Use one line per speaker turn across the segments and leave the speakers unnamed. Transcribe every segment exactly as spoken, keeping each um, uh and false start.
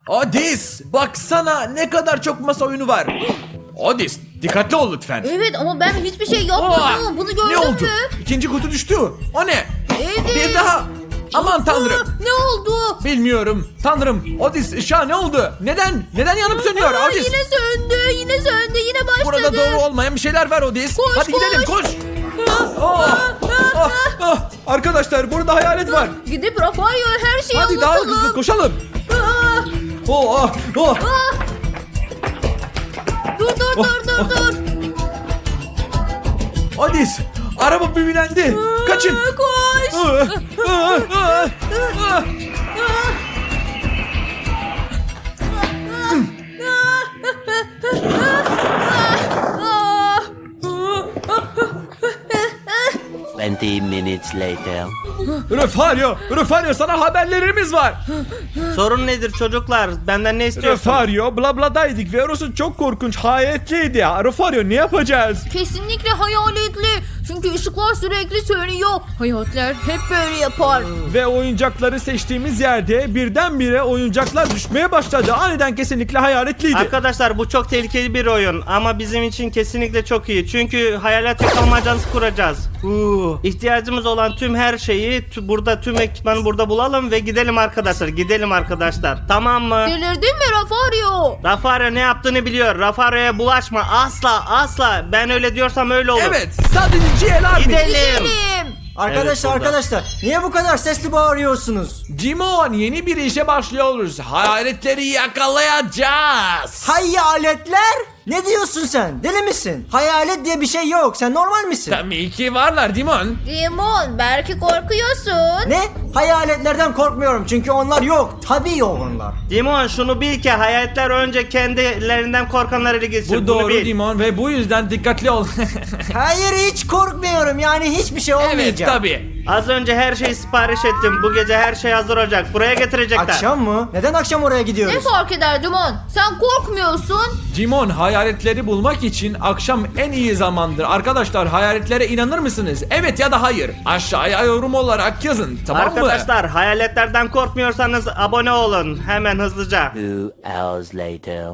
Odis, baksana ne kadar çok masa oyunu var. Odis, dikkatli ol lütfen.
Evet ama ben hiçbir şey yapmadım.
Aa,
Bunu gördün
ne oldu?
mü?
İkinci kutu düştü. O ne?
Evet.
Bir daha. Aman tanrım.
Aa, ne oldu?
Bilmiyorum. Tanrım. Odis, ışığa ne oldu? Neden? Neden yanıp sönüyor
Aa,
Odis?
yine söndü, yine söndü, yine başladı.
Burada doğru olmayan bir şeyler var Odis.
Koş,
Hadi gidelim
koş.
koş. Ah, ah, ah. Arkadaşlar burada hayalet var.
Gidip Rafael'e her şeyi
Hadi daha
anlatalım.
hızlı koşalım.
Aa,
Oh, ah, oh.
aa. Dur dur
Oh,
dur dur
oh.
dur.
Odis, araba büyülendi. Kaçın.
Aa, koş.
Ah, ah, ah, ah.
Aa.
twenty minutes later.
Refario, Refario sana haberlerimiz var.
Sorun nedir çocuklar? Benden ne istiyorsun?
Refario, bla bladaydık ve orası çok korkunç, hayatliydi ya. Refario ne yapacağız?
Kesinlikle hayaletli. Çünkü ışıklar sürekli sönüyor. Hayaletler hep böyle yapar.
Ve oyuncakları seçtiğimiz yerde birdenbire oyuncaklar düşmeye başladı. Aniden kesinlikle hayaletliydi.
Arkadaşlar bu çok tehlikeli bir oyun ama bizim için kesinlikle çok iyi. Çünkü hayalet yakalmacansı kuracağız. Uh, ihtiyacımız olan tüm her şeyi tü- burada tüm ekipmanı burada bulalım ve gidelim arkadaşlar. Gidelim arkadaşlar. Tamam mı?
Delirdin mi Rafario?
Rafario ne yaptığını biliyor. Rafario'ya bulaşma. Asla asla. Ben öyle diyorsam öyle olur.
Evet, sadece G L R
Gidelim.
Gidelim.
Arkadaşlar
Evet, burada.
arkadaşlar niye bu kadar sesli bağırıyorsunuz?
Cimon, yeni bir işe başlıyoruz. Hayaletleri yakalayacağız.
Hayaletler? Ne diyorsun sen? Deli misin? Hayalet diye bir şey yok. Sen normal misin?
Tabii ki varlar Dimon.
Dimon belki korkuyorsun.
Ne? Hayaletlerden korkmuyorum çünkü onlar yok. Tabii yok onlar.
Dimon şunu bil ki hayaletler önce kendilerinden korkanları ele geçirir.
Bu
Bunu
doğru
bil.
Dimon ve bu yüzden dikkatli ol.
Hayır hiç korkmuyorum yani hiçbir şey olmayacak.
Evet tabii.
Az önce her şeyi sipariş ettim. Bu gece her şey hazır olacak. Buraya getirecekler.
Akşam mı? Neden akşam oraya
Ne
gidiyoruz?
fark eder Dimon? Sen korkmuyorsun.
Cimon, hayaletleri bulmak için akşam en iyi zamandır. Arkadaşlar hayaletlere inanır mısınız? Evet ya da hayır. Aşağıya yorum olarak yazın, tamam mı?
Arkadaşlar hayaletlerden korkmuyorsanız abone olun. Hemen hızlıca.
Two hours later.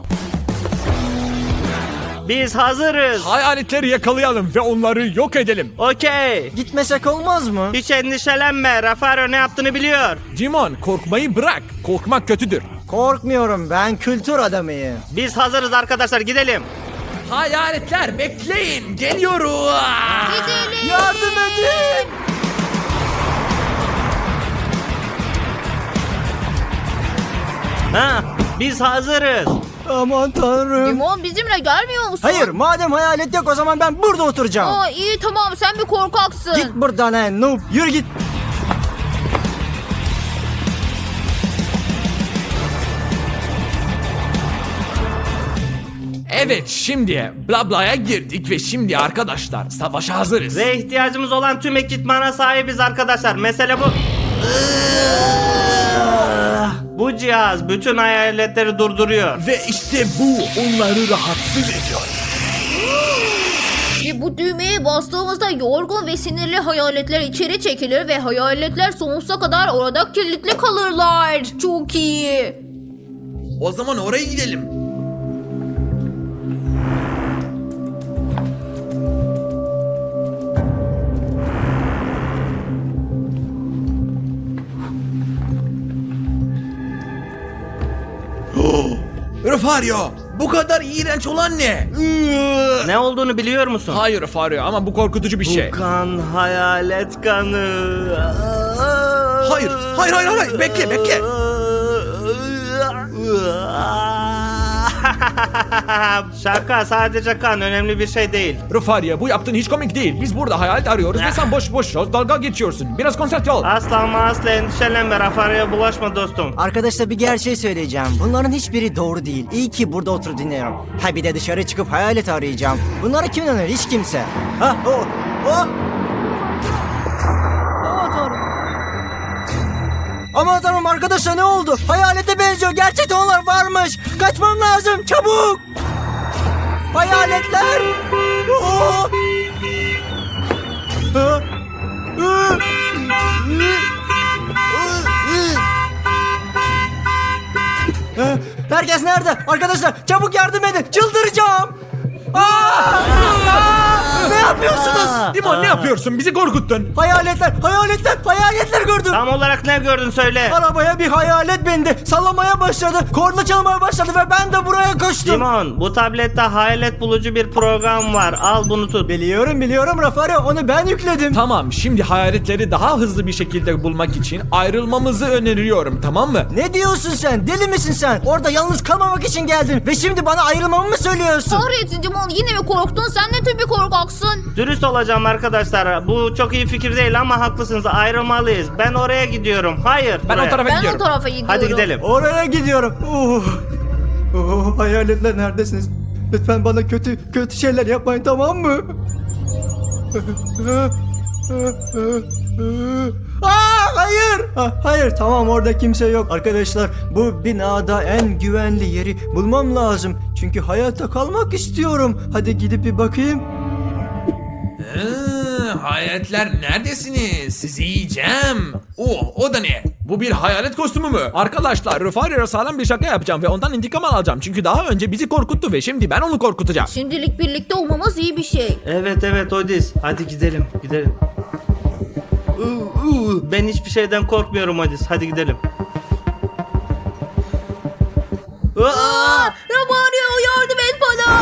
Biz hazırız.
Hayaletleri yakalayalım ve onları yok edelim.
Okey.
Gitmesek olmaz mı?
Hiç endişelenme. Rafario ne yaptığını biliyor.
Cimon, korkmayı bırak. Korkmak kötüdür.
Korkmuyorum ben kültür adamıyım.
Biz hazırız arkadaşlar gidelim.
Hayaletler bekleyin, geliyoruz.
Gidelim.
Yardım edin!
Ha, biz hazırız.
Aman tanrım.
Dimon bizimle gelmiyor musun?
Hayır madem hayalet yok o zaman ben burada oturacağım.
Aa, iyi tamam sen bir korkaksın.
Git buradan he noob yürü git.
Evet, şimdi Blabla'ya girdik ve şimdi arkadaşlar savaşa hazırız.
Ve ihtiyacımız olan tüm ekipmana sahibiz arkadaşlar. Mesele bu. Bu cihaz bütün hayaletleri durduruyor.
Ve işte bu onları rahatsız ediyor.
Ve bu düğmeye bastığımızda yorgun ve sinirli hayaletler içeri çekilir ve hayaletler sonsuza kadar orada kilitli kalırlar. Çok iyi.
O zaman oraya gidelim. Refario, bu kadar iğrenç olan ne?
Ne olduğunu biliyor musun?
Hayır Refario ama bu korkutucu bir şey.
Bu kan hayalet kanı.
Hayır, hayır, hayır, hayır. Bekle, bekle.
Şaka, sadece kan, önemli bir şey değil.
Refario, bu yaptığın hiç komik değil. Biz burada hayalet arıyoruz ve sen boş boş dalga geçiyorsun. Biraz konsantre ol.
Asla ama asla endişelenme, Rafario'ya bulaşma dostum.
Arkadaşlar bir gerçeği söyleyeceğim. Bunların hiçbiri doğru değil. İyi ki burada oturup dinliyorum. Ha bir de dışarı çıkıp hayalet arayacağım. Bunlara kim inanır? Hiç kimse. Ha o o. Aman tanrım. Aman tanrım arkadaşlar ne oldu? Hayalete benziyor. Gerçekten onlar varmış. Kaçmam lazım. Çabuk. Hayaletler. Oo. Ha? Hı? Hı? Hı? Hı? Herkes nerede? Arkadaşlar çabuk yardım edin. Çıldıracağım. Aa! Aa! Ne yapıyorsunuz?
Dimon ne yapıyorsun? Bizi korkuttun.
Hayaletler, hayaletler, hayaletler gördüm.
Tam olarak ne gördün söyle.
Arabaya bir hayalet bindi. Sallamaya başladı. Korna çalmaya başladı ve ben de buraya koştum.
Simon, bu tablette hayalet bulucu bir program var. Al bunu tut.
Biliyorum biliyorum Rafario, onu ben yükledim.
Tamam, şimdi hayaletleri daha hızlı bir şekilde bulmak için ayrılmamızı öneriyorum, tamam mı?
Ne diyorsun sen? Deli misin sen? Orada yalnız kalmamak için geldin ve şimdi bana ayrılmamı mı söylüyorsun?
Kahretsin Dimon, yine mi korktun? Sen ne tür bir korkaksın?
Dürüst olacağım arkadaşlar. Bu çok iyi fikir değil ama haklısınız. Ayrılmalıyız. Ben oraya gidiyorum. Hayır.
Ben
buraya.
o tarafa
Ben
gidiyorum.
o tarafa gidiyorum.
Hadi gidelim.
Oraya gidiyorum. Uh. Uh, hayaletler neredesiniz? Lütfen bana kötü kötü şeyler yapmayın, tamam mı? Aa, hayır. Ha, hayır, tamam, orada kimse yok. Arkadaşlar, bu binada en güvenli yeri bulmam lazım. Çünkü hayatta kalmak istiyorum. Hadi gidip bir bakayım.
Ee, hayaletler neredesiniz? Sizi yiyeceğim. Oh, o da ne? Bu bir hayalet kostümü mü? Arkadaşlar, Rufario'ya sağlam bir şaka yapacağım ve ondan intikam alacağım. Çünkü daha önce bizi korkuttu ve şimdi ben onu korkutacağım.
Şimdilik birlikte olmamız iyi bir şey.
Evet evet Odis. Hadi gidelim. Gidelim. Uh, uh. Ben hiçbir şeyden korkmuyorum Odis. Hadi gidelim.
Aa, Romario, yardım et bana.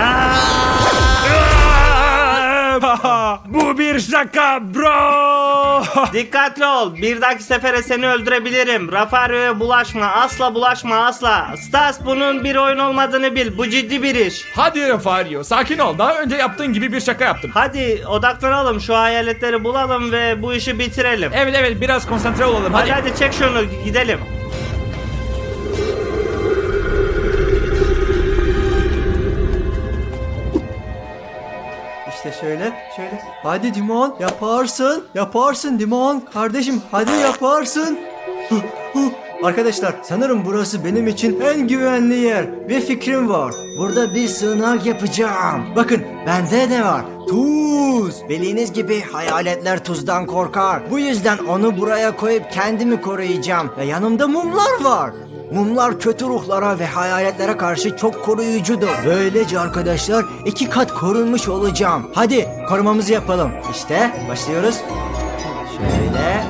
Bu bir şaka bro.
Dikkatli ol. Bir dahaki sefere seni öldürebilirim. Rafario'ya bulaşma. Asla bulaşma asla. Stas, bunun bir oyun olmadığını bil. Bu ciddi bir iş.
Hadi Rufario, sakin ol. Daha önce yaptığın gibi bir şaka yaptım.
Hadi odaklanalım. Şu hayaletleri bulalım ve bu işi bitirelim.
Evet evet, biraz konsantre olalım.
Hadi
Hadi.
hadi çek şunu. Gidelim.
İşte şöyle, şöyle. Hadi Dimon, yaparsın. Yaparsın Dimon. Kardeşim, hadi yaparsın. Huh, huh. Arkadaşlar, sanırım burası benim için en güvenli yer. Bir fikrim var. Burada bir sığınak yapacağım. Bakın, bende ne var? Tuz. Bildiğiniz gibi hayaletler tuzdan korkar. Bu yüzden onu buraya koyup kendimi koruyacağım. Ve yanımda mumlar var. Mumlar kötü ruhlara ve hayaletlere karşı çok koruyucudur. Böylece arkadaşlar iki kat korunmuş olacağım. Hadi korumamızı yapalım. İşte başlıyoruz. Şöyle.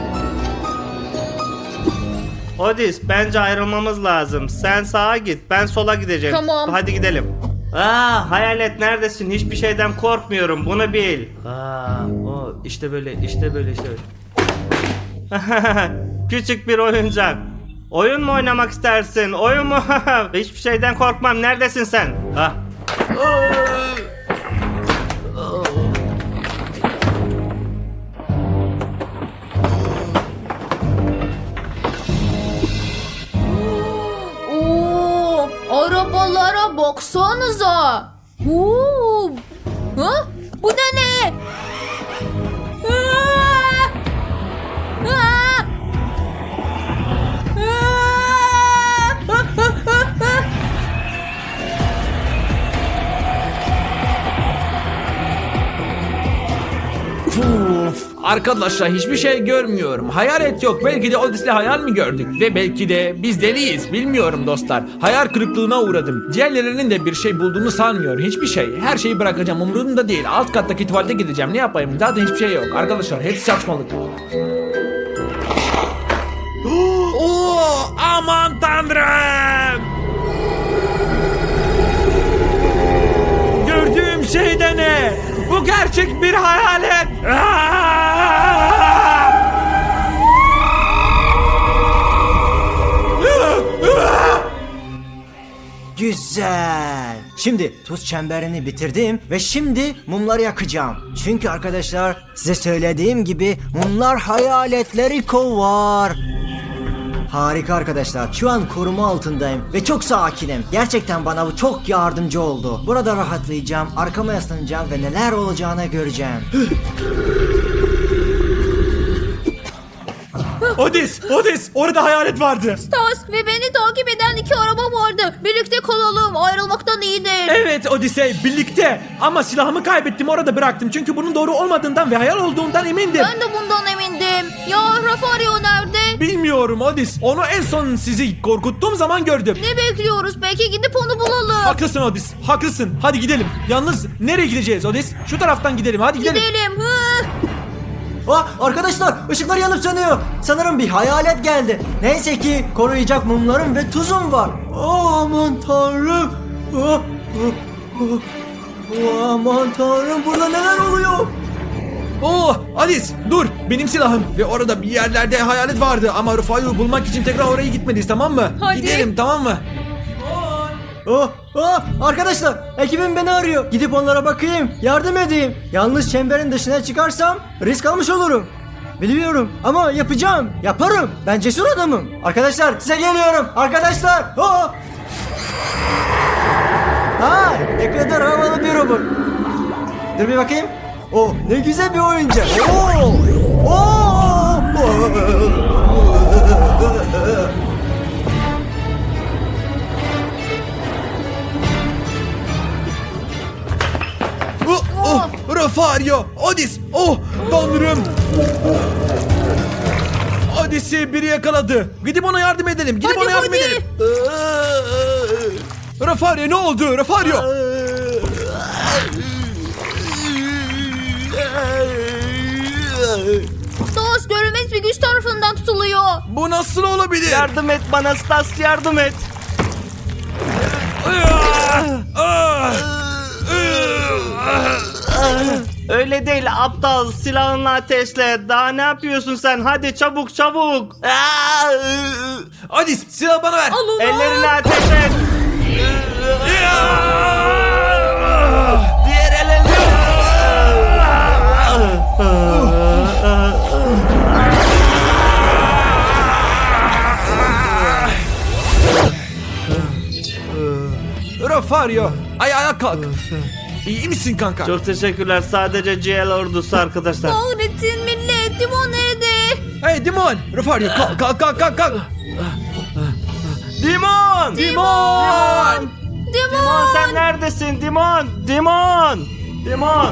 Odis, bence ayrılmamız lazım. Sen sağa git, ben sola gideceğim.
Tamam.
Hadi gidelim. Aa, hayalet neredesin? Hiçbir şeyden korkmuyorum. Bunu bil. Aa, o işte böyle, işte böyle, işte böyle. Küçük bir oyuncak. Oyun mu oynamak istersin? Oyun mu? Hiçbir şeyden korkmam. Neredesin sen? Ha.
Oo, arabalara baksanıza. Oo. Ha? Bu da ne? Aa! Aa! Aa!
Uf, arkadaşlar hiçbir şey görmüyorum. Hayalet yok. Belki de Odis'le hayal mi gördük? Ve belki de biz deliyiz. Bilmiyorum dostlar. Hayal kırıklığına uğradım. Diğerlerinin de bir şey bulduğunu sanmıyorum. Hiçbir şey. Her şeyi bırakacağım. Umurumda değil. Alt kattaki tuvalete gideceğim. Ne yapayım? Zaten hiçbir şey yok. Arkadaşlar hepsi saçmalık. Oo, aman tanrım! Gördüğüm şey de ne? Bu gerçek bir hayalet.
Güzel. Şimdi tuz çemberini bitirdim ve şimdi mumları yakacağım. Çünkü arkadaşlar size söylediğim gibi mumlar hayaletleri kovar. Harika arkadaşlar. Şu an koruma altındayım ve çok sakinim. Gerçekten bana bu çok yardımcı oldu. Burada rahatlayacağım, arkama yaslanacağım ve neler olacağını göreceğim.
Odis, Odis, orada hayalet vardı.
Stas ve beni takip eden iki araba vardı. Birlikte kalalım. Ayrılmaktan iyidir.
Evet Odisey, birlikte. Ama silahımı kaybettim, orada bıraktım. Çünkü bunun doğru olmadığından ve hayal olduğundan emindim.
Ben de bundan emindim. gidelim. Ya Rafario nerede?
Bilmiyorum Odis. Onu en son sizi korkuttuğum zaman gördüm.
Ne bekliyoruz? Belki gidip onu bulalım.
Haklısın Odis. Haklısın. Hadi gidelim. Yalnız nereye gideceğiz Odis? Şu taraftan gidelim. Hadi gidelim.
Gidelim. Hı.
Aa, arkadaşlar ışıklar yanıp sönüyor. Sanırım bir hayalet geldi. Neyse ki koruyacak mumlarım ve tuzum var. Oh, aman tanrım. Oh, oh, oh. Oh, aman tanrım, burada neler oluyor?
Oo, Odis dur. Benim silahım. Ve orada bir yerlerde hayalet vardı. Ama Rufa'yı bulmak için tekrar oraya gitmeliyiz, tamam mı?
Hadi.
Gidelim, tamam mı?
Oh, oh, arkadaşlar ekibim beni arıyor. Gidip onlara bakayım, yardım edeyim. Yalnız çemberin dışına çıkarsam risk almış olurum. Biliyorum ama yapacağım. Yaparım. Ben cesur adamım. Arkadaşlar size geliyorum. Arkadaşlar. Oh. Ha, ne kadar havalı bir robot. Dur bir bakayım. Oh, ne güzel bir oyuncak. Oh. Oh.
Oh, oh, Rafario, Odis, oh, tanrım. Odis'i biri yakaladı. Gidip ona yardım edelim. Gidip
Hadi,
ona yardım
hadi.
edelim. Rafario ne oldu? Rafario.
Stas görünmez bir güç tarafından tutuluyor.
Bu nasıl olabilir?
Yardım et bana Stas, yardım et.
Ah!
Öyle değil aptal, silahını ateşle. Daha ne yapıyorsun sen? Hadi çabuk çabuk.
Odis silah bana ver.
Al onu.
Ellerini ateş et. Diğer elini.
Rafario, ayağa kalk. İyi misin kanka?
Çok teşekkürler. Sadece G L ordusu arkadaşlar.
Kahretsin millet. Dimon nerede?
Hey Dimon, Rafario kalk kalk kalk kalk. kalk.
Dimon!
Dimon!
Dimon sen neredesin? Dimon! Dimon! Dimon!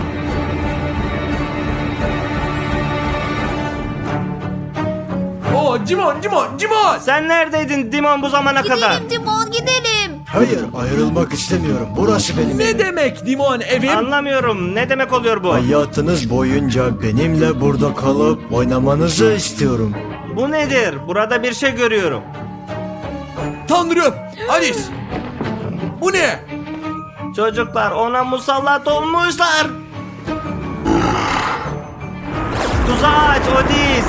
Oh Dimon, Dimon, Dimon!
Sen neredeydin Dimon bu zamana kadar?
Gidelim Dimon gidelim.
Hayır, ayrılmak istemiyorum. Burası benim
Ne
evim.
demek Dimon evim?
Anlamıyorum. Ne demek oluyor bu?
Hayatınız boyunca benimle burada kalıp oynamanızı istiyorum.
Bu nedir? Burada bir şey görüyorum.
Tanrım! Alice! Bu ne?
Çocuklar ona musallat olmuşlar. Tuzağı aç Odis.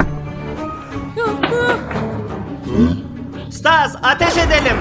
Stas ateş edelim.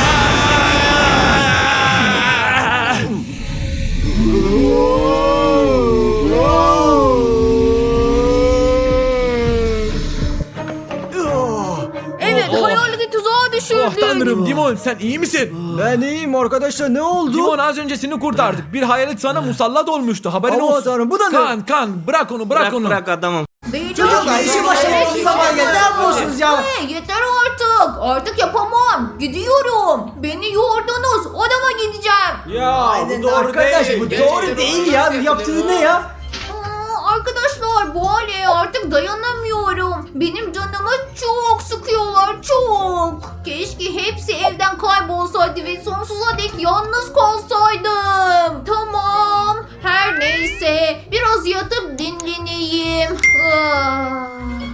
Evet
Oh.
hayaleti tuzağa düşürdük.
Oh tanrım Dimon sen iyi misin?
Ben iyiyim arkadaşlar, ne oldu?
Dimon az önce seni kurtardık. Bir hayalet sana musallat olmuştu. Haberin
Aman
olsun.
tanrım, bu da ne?
Kan kan bırak onu bırak,
Bırak
onu.
bırak adamım.
Çocuklar, işi başlamak zaman geldi. Ne yapıyorsunuz ya?
Hey, yeter artık. Artık yapamam. Gidiyorum. Beni yordunuz. Odama gideceğim.
Ya
Aynen arkadaş, bu doğru değil ya. Bu yaptığı ne ya?
Aa, arkadaşlar bu hale artık dayanamıyorum. Benim canımı çok sıkıyorlar çok. Keşke hepsi evden kaybolsaydı ve sonsuza dek yalnız kalsaydım. Tamam. Her neyse biraz yatıp dinleneyim. Ah.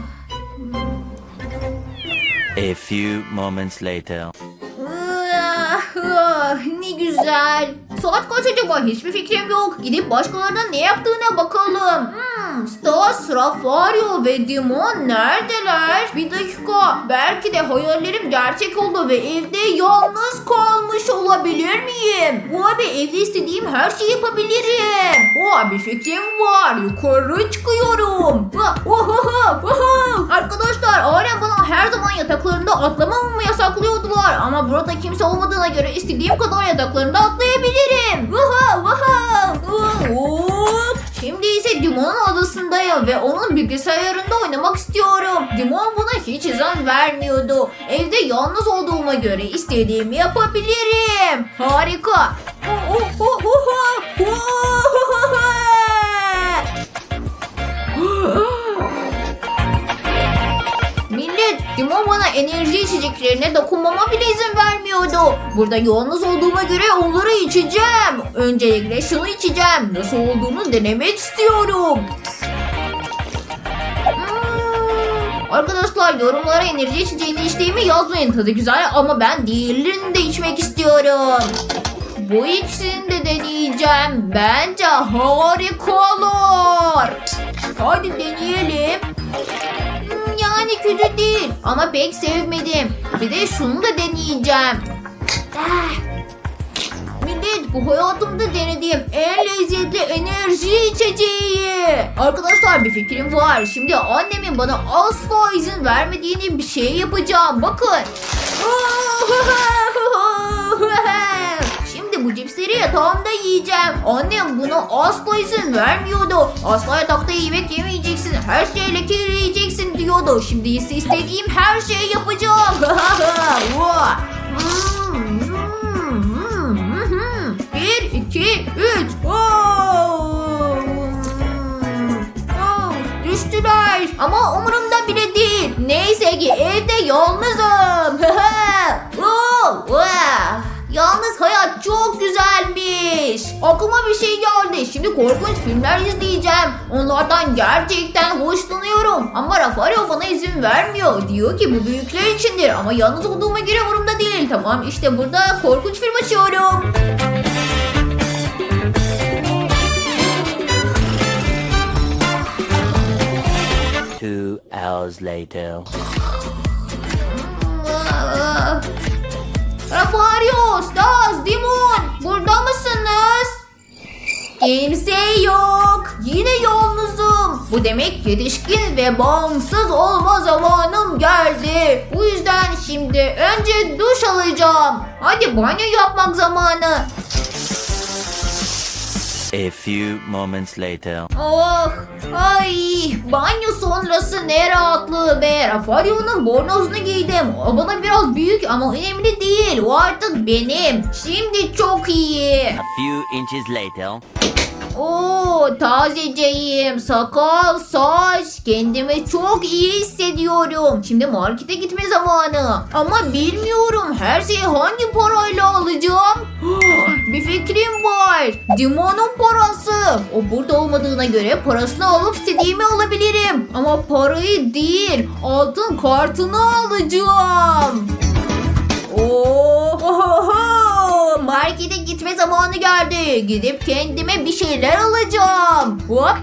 A few moments later.
Ah, ah, ne güzel. Saat kaç acaba? Hiçbir fikrim yok. Gidip başkalarının ne yaptığına bakalım. Hmm, Stas, Rafario ve Dimon neredeler? Bir dakika. Belki de hayallerim gerçek oldu ve evde yalnız kalmış olabilir miyim? Bu abi evde istediğim her şeyi yapabilirim. O bir fikrim var. Yukarı çıkıyorum. Ah, oh, oh, oh, oh. Arkadaşlar ailem bana her zaman yataklarında atlamamamı yasaklıyordular. Ama burada kimse olmadığına göre istediğim kadar yataklarında atlayabilirim. Vaha vaha. Hop. Şimdi ise Dimon'un odasındayım ve onun bilgisayarında oynamak istiyorum. Dimon buna hiç izin vermiyordu. Evde yalnız olduğuma göre istediğimi yapabilirim. Harika. Oh, oh, oh, oh, oh. enerji içeceklerine dokunmama bile izin vermiyordu. Burada yalnız olduğuma göre onları içeceğim. Öncelikle şunu içeceğim. Nasıl olduğunu denemek istiyorum. Hmm. Arkadaşlar yorumlara enerji içeceğini içtiğimi yazmayın. Tadı güzel ama ben diğerlerini de içmek istiyorum. Bu ikisini de deneyeceğim. Bence harika olur. Hadi deneyelim. Hmm, yani kötü değil ama pek sevmedim. Bir de şunu da deneyeceğim. Ah. Millet, bu hayatımda denediğim en lezzetli enerji içeceği. Arkadaşlar bir fikrim var. Şimdi annemin bana asla izin vermediğini bir şey yapacağım. Bakın. Şimdi bu cipsleri yatağımda yiyeceğim. Annem buna asla izin vermiyordu. Asla yatakta yemek yemeyeceksin. Her şeyi lekeleyeceksin diyordu. Şimdi ise istediğim her şeyi yapacağım. Bir, iki, üç. Düştüler. Ama umurumda bile değil. Neyse ki evde yalnızım. Yalnız hayat çok güzelmiş. Aklıma bir şey geldi. Şimdi korkunç filmler izleyeceğim. Onlardan gerçekten hoşlanıyorum. Ama Rafario bana izin vermiyor. Diyor ki bu büyükler içindir. Ama yalnız olduğuma göre umurumda değil. Tamam, işte burada korkunç film açıyorum.
Two hours later.
Rafario, Stas, Dimon, burada mısınız? Kimse yok. Yine yalnızım. Bu demek yetişkin ve bağımsız olma zamanım geldi. Bu yüzden şimdi önce duş alacağım. Hadi banyo yapmak zamanı.
A few moments later.
Oh, ay, banyo sonrası ne rahatlığı be. Rafario'nun bornozunu giydim. O bana biraz büyük ama önemli değil. O artık benim. Şimdi çok iyi.
A few inches later.
Oo, tazeceyim. Sakal, saç. Kendimi çok iyi hissediyorum. Şimdi markete gitme zamanı. Ama bilmiyorum her şeyi hangi parayla alacağım. Bir fikrim var. Dimon'un parası. O burada olmadığına göre parasını alıp istediğimi alabilirim. Ama parayı değil, altın kartını alacağım. Oho! Markete gitme zamanı geldi. Gidip kendime bir şeyler alacağım. Hop.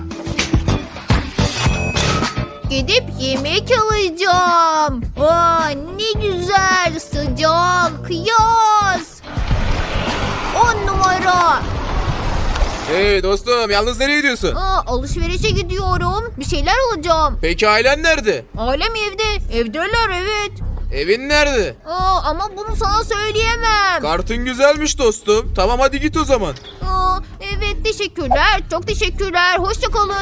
Gidip yemek alacağım. Aa, ne güzel, sıcak, yaz. On numara.
Hey dostum, yalnız nereye gidiyorsun?
Aa, alışverişe gidiyorum. Bir şeyler alacağım.
Peki ailen nerede?
Ailem evde. Evdeler, evet.
Evin nerede?
Aa, ama bunu sana söyleyemem.
Kartın güzelmiş dostum. Tamam hadi git o zaman.
Aa, evet, teşekkürler. Çok teşekkürler. Hoşça kalın.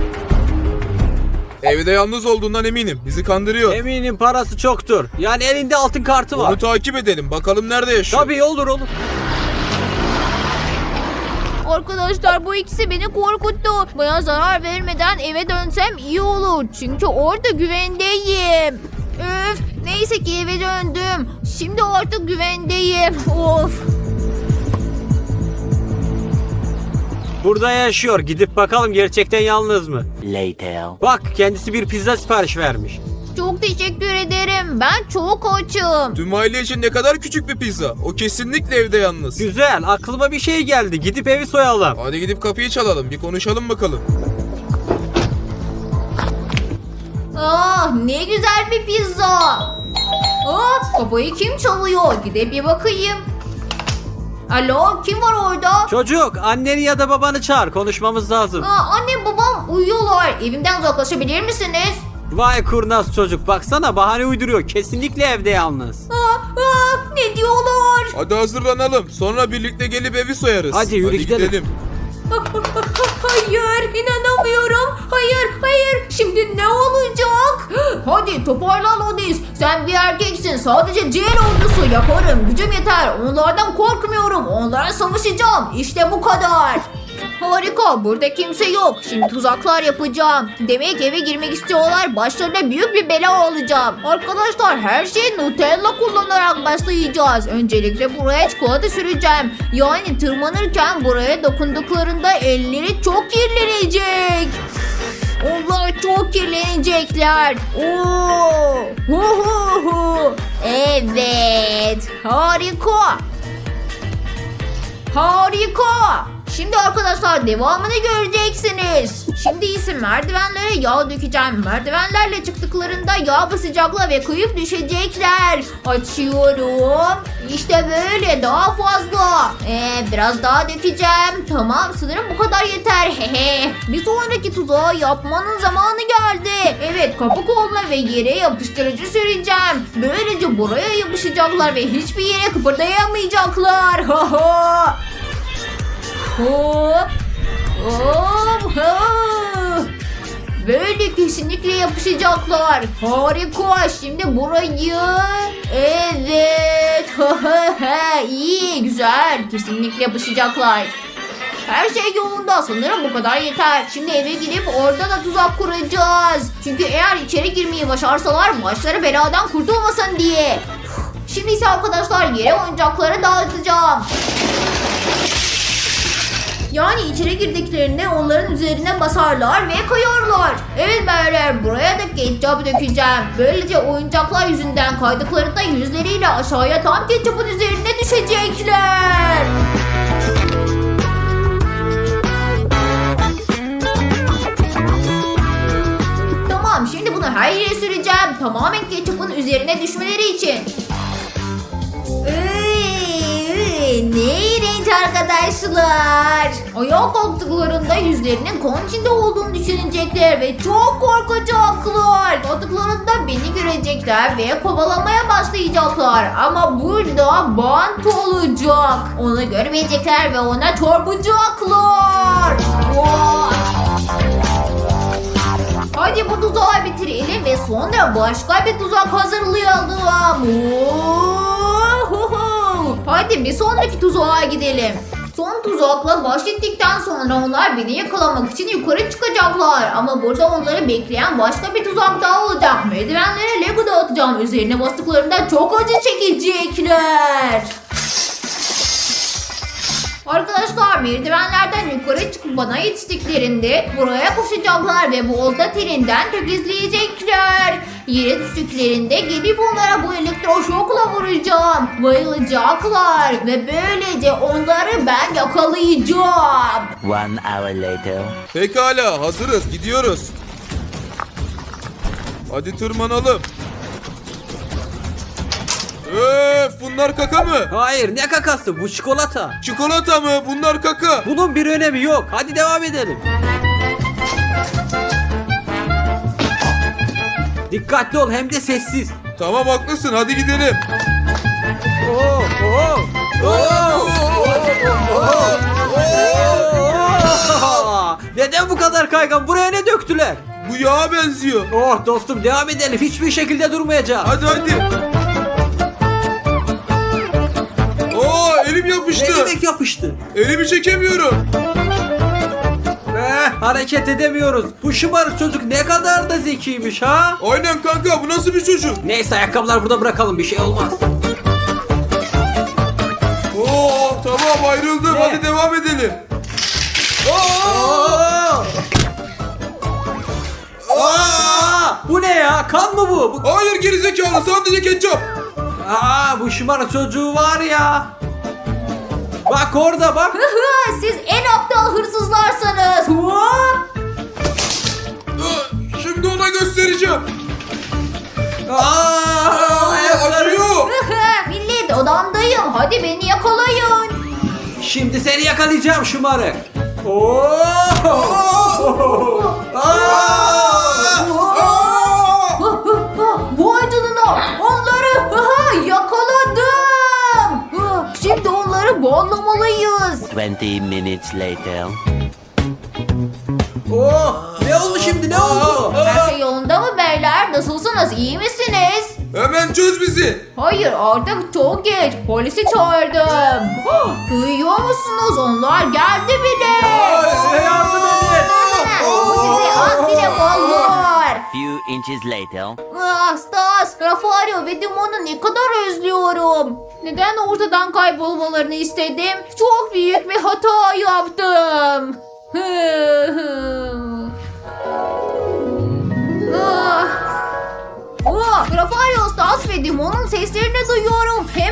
Evde yalnız olduğundan eminim. Bizi kandırıyor.
Eminim parası çoktur. Yani elinde altın kartı var.
Onu takip edelim. Bakalım nerede yaşıyor.
Tabii olur olur.
Arkadaşlar, bu ikisi beni korkuttu. Bana zarar vermeden eve dönsem iyi olur. Çünkü orada güvendeyim. Öf, neyse ki eve döndüm. Şimdi artık güvendeyim. Of.
Burada yaşıyor. Gidip bakalım gerçekten yalnız mı?
Later.
Bak kendisi bir pizza sipariş vermiş.
Çok teşekkür ederim. Ben çok açım.
Tüm aile için ne kadar küçük bir pizza. O kesinlikle evde yalnız.
Güzel, aklıma bir şey geldi. Gidip evi soyalım.
Hadi gidip kapıyı çalalım. Bir konuşalım bakalım.
Ah, ne güzel bir pizza. Ah, kapıyı kim çalıyor? Gidip bir bakayım. Alo, kim var orada?
Çocuk, anneni ya da babanı çağır. Konuşmamız lazım.
Aa, annem babam uyuyorlar. Evimden uzaklaşabilir misiniz?
Vay kurnaz çocuk. Baksana bahane uyduruyor. Kesinlikle evde yalnız.
Aa, aa, ne diyorlar?
Hadi hazırlanalım. Sonra birlikte gelip evi soyarız.
Hadi yürü gidelim.
Hayır, inanamıyorum. Hayır, hayır. Şimdi ne olacak? Hadi toparlan Odis. Sen bir erkeksin. Sadece ciğer ordusu yaparım. Gücüm yeter. Onlardan korkmuyorum. Onlara savaşacağım. İşte bu kadar. Harika, burada kimse yok. Şimdi tuzaklar yapacağım. Demek eve girmek istiyorlar. Başlarına büyük bir bela olacağım. Arkadaşlar her şeyi Nutella kullanarak başlayacağız. Öncelikle buraya çikolata süreceğim. Yani tırmanırken buraya dokunduklarında elleri çok kirlenecek. Onlar çok kirlenecekler. Oo! Hu hu hu. Evet. Harika. Harika. Şimdi arkadaşlar devamını göreceksiniz. Şimdi ise merdivenlere yağ dökeceğim. Merdivenlerle çıktıklarında yağ basacaklar ve kayıp düşecekler. Açıyorum. İşte böyle, daha fazla. Ee, biraz daha dökeceğim. Tamam, sanırım bu kadar yeter. Hehe. Bir sonraki tuzağı yapmanın zamanı geldi. Evet, kapı koluna ve yere yapıştırıcı süreceğim. Böylece buraya yapışacaklar ve hiçbir yere kıpırdayamayacaklar. Ha ha. Hop. Hop. Hop. Böyle kesinlikle yapışacaklar. Harika. Şimdi burayı. Evet. İyi, güzel. Kesinlikle yapışacaklar. Her şey yolunda. Sanırım bu kadar yeter. Şimdi eve gidip orada da tuzak kuracağız. Çünkü eğer içeri girmeyi başarsalar başları beladan kurtulmasın diye. Şimdi ise arkadaşlar yere oyuncakları dağıtacağım. Yani içeri girdiklerinde onların üzerine basarlar ve kayarlar. Evet beyler, buraya da ketçap dökeceğim. Böylece oyuncaklar yüzünden kaydıklarında yüzleriyle aşağıya tam ketçapın üzerine düşecekler. Tamam, şimdi bunu her yere süreceğim. Tamamen ketçapın üzerine düşmeleri için. Iıı, ne iğrenç arkadaşlar. Ayağa kalktıklarında yüzlerinin kan içinde olduğunu düşünecekler ve çok korkacaklar. Kalktıklarında beni görecekler ve kovalamaya başlayacaklar. Ama burada bant olacak. Onu görmeyecekler ve ona çarpacaklar. Vay. Hadi bu tuzağı bitirelim ve sonra başka bir tuzak hazırlayalım. Ohoho. Hadi bir sonraki tuzağa gidelim. Son tuzakla baş ettikten sonra onlar beni yakalamak için yukarı çıkacaklar. Ama burada onları bekleyen başka bir tuzak daha olacak. Merdivenlere Lego dağıtacağım. Üzerine bastıklarında çok acı çekecekler. Arkadaşlar merdivenlerden yukarı çıkıp bana yetiştiklerinde buraya koşacaklar ve bolda teninden tökezleyecekler. Yere düştüklerinde gelip onlara bu elektroşokla vuracağım. Bayılacaklar ve böylece onları ben yakalayacağım.
One hour later.
Pekala, hazırız, gidiyoruz. Hadi tırmanalım. Öf, bunlar kaka mı?
Hayır, ne kakası, bu çikolata.
Çikolata mı? Bunlar kaka.
Bunun bir önemi yok. Hadi devam edelim. Dikkatli ol, hem de sessiz.
Tamam, haklısın, hadi gidelim.
Oo, oo, oo, oo. Neden bu kadar kaygan? Buraya ne döktüler?
Bu yağa benziyor.
Oh dostum, devam edelim. Hiçbir şekilde durmayacağım.
Hadi hadi. Oo, elim
Ne
yapıştı.
demek yapıştı?
Elimi çekemiyorum.
Eh, hareket edemiyoruz. Bu şımarık çocuk ne kadar da zekiymiş ha?
Aynen kanka, bu nasıl bir çocuk?
Neyse, ayakkabılar burada bırakalım, bir şey olmaz.
Oo, tamam, ayrıldım.
Ne?
Hadi devam edelim.
Oo! Aa! Bu ne ya? Kan mı bu? bu...
Hayır gerizekalı, sadece ketçap.
Aa, bu şımarık çocuğu var ya. Bak orada bak.
Siz en aptal hırsızlarsınız. Hop.
Şimdi ona göstereceğim.
Aa, ayakları.
Acıyor.
Millet, odamdayım. Hadi beni yakalayın.
Şimdi seni yakalayacağım şımarık. Oo! Aa!
Vay canına, onları aha, yakaladım. Şimdi onları bağlamalıyız.
Twenty minutes later.
Oh! Ne oldu şimdi? Ne oldu?
Her şey yolunda mı beyler? Nasılsınız? İyi misiniz?
Hemen çöz bizi.
Hayır artık çok geç. Polisi çağırdım. Duyuyor musunuz? Onlar geldi bile.
Yardım edin.
Bu size az bile olur.
Few inches later.
Ah, Stas, Rafario ve Dimon'u ne kadar özlüyorum. Neden ortadan kaybolmalarını istedim? Çok büyük bir hata yaptım. ah. Ah, Rafario, Stas ve Dimon'un seslerini duyuyorum.